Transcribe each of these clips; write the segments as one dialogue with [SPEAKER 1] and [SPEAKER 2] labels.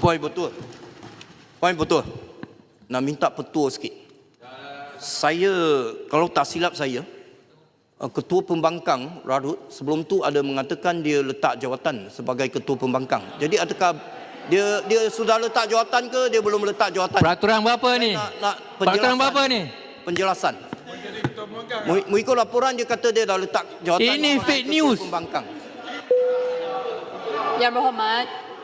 [SPEAKER 1] Poin betul. Poin betul. Nak minta petua sikit. Saya, kalau tak silap saya, Ketua Pembangkang Larut sebelum tu ada mengatakan dia letak jawatan sebagai Ketua Pembangkang. Jadi adakah dia sudah letak jawatan ke dia belum letak jawatan?
[SPEAKER 2] Peraturan berapa ni? Peraturan berapa ni?
[SPEAKER 1] Penjelasan. Mengikut laporan dia kata dia dah letak jawatan.
[SPEAKER 2] Ini fake news.
[SPEAKER 1] Pembangkang.
[SPEAKER 3] Yang Berhormat,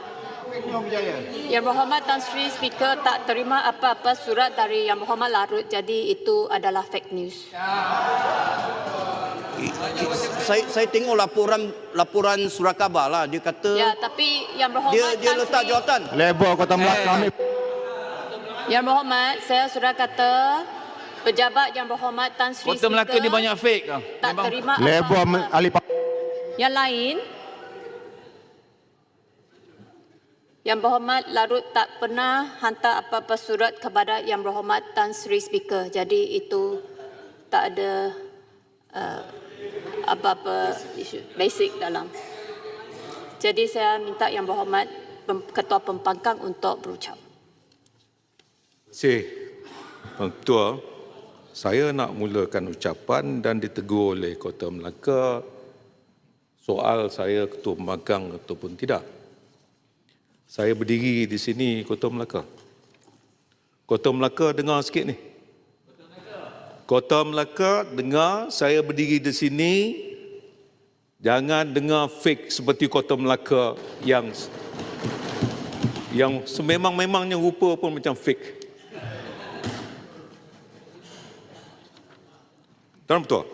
[SPEAKER 3] Yang Berhormat Tan Sri Speaker tak terima apa-apa surat dari Yang Berhormat Larut, jadi itu adalah fake news.
[SPEAKER 1] Saya tengok laporan surat khabar lah, dia kata
[SPEAKER 3] Ya, tapi Yang Berhormat
[SPEAKER 1] dia letak jawatan.
[SPEAKER 4] Lebor Kota Melaka ambil.
[SPEAKER 3] Yang Berhormat, saya sudah kata pejabat Yang Berhormat Tan Sri
[SPEAKER 2] Kota Melaka ni banyak fake lah.
[SPEAKER 3] tak terima
[SPEAKER 4] Lebor
[SPEAKER 3] apa-apa.
[SPEAKER 4] ahli
[SPEAKER 3] Yang lain, Yang Berhormat Larut tak pernah hantar apa-apa surat kepada Yang Berhormat Tan Sri Speaker. Jadi itu tak ada apa-apa isu basic dalam. Jadi saya minta Yang Berhormat Ketua Pembangkang untuk berucap.
[SPEAKER 5] Terima kasih, Tuan Ketua. Saya nak mulakan ucapan dan ditegur oleh Kota Melaka soal saya Ketua Pembangkang ataupun tidak. Saya berdiri di sini, Kota Melaka. Kota Melaka dengar sikit ni. Kota Melaka dengar saya berdiri di sini. Jangan dengar fake seperti Kota Melaka yang sememang-memangnya rupa pun macam fake. Tuan Ketua,